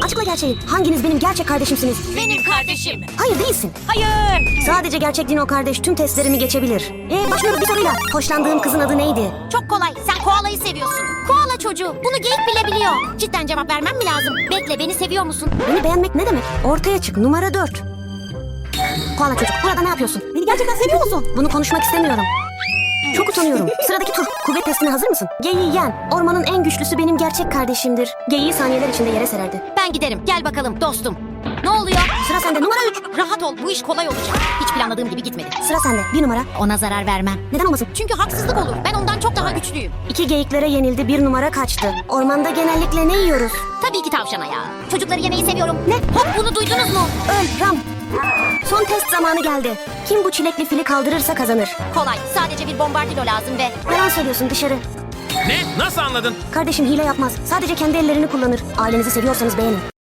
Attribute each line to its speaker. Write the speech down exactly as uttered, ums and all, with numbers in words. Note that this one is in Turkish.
Speaker 1: Açıkla gerçeği. Hanginiz benim gerçek kardeşimsiniz?
Speaker 2: Benim kardeşim.
Speaker 1: Hayır değilsin.
Speaker 2: Hayır.
Speaker 1: Sadece gerçek Dino kardeş tüm testlerimi geçebilir. Ee, başlıyoruz bir soruyla. Hoşlandığın kızın adı neydi?
Speaker 2: Çok kolay. Sen koalayı seviyorsun. Koala çocuğu. Bunu geyik bile biliyor. Cidden cevap vermem mi lazım? Bekle, beni seviyor musun?
Speaker 1: Beni beğenmek ne demek? Ortaya çık. Numara dört. Koala çocuk, burada ne yapıyorsun? Beni gerçekten seviyor musun? Bunu konuşmak istemiyorum. Çok utanıyorum. Sıradaki tur. Kuvvet testine hazır mısın? Geyiği yen. Ormanın en güçlüsü benim gerçek kardeşimdir. Geyiği saniyeler içinde yere sererdi.
Speaker 2: Ben giderim. Gel bakalım dostum. Ne oluyor?
Speaker 1: Sıra sende. Numara üç.
Speaker 2: Rahat ol. Bu iş kolay olacak. Hiç planladığım gibi gitmedi.
Speaker 1: Sıra sende. Bir numara.
Speaker 2: Ona zarar vermem.
Speaker 1: Neden olmasın?
Speaker 2: Çünkü haksızlık olur. Ben ondan çok daha güçlüyüm.
Speaker 1: İki geyiklere yenildi. Bir numara kaçtı. Ormanda genellikle ne yiyoruz?
Speaker 2: Tabii ki tavşana ya. Çocukları yemeyi seviyorum. Ne? Hop, bunu duydunuz mu?
Speaker 1: Öl Ram. Son test zamanı geldi. Kim bu çilekli fili kaldırırsa kazanır.
Speaker 2: Kolay. Sadece bir bombardilo lazım ve...
Speaker 1: Yalan söylüyorsun dışarı.
Speaker 3: Ne? Nasıl anladın?
Speaker 1: Kardeşim hile yapmaz. Sadece kendi ellerini kullanır. Ailenizi seviyorsanız beğenin.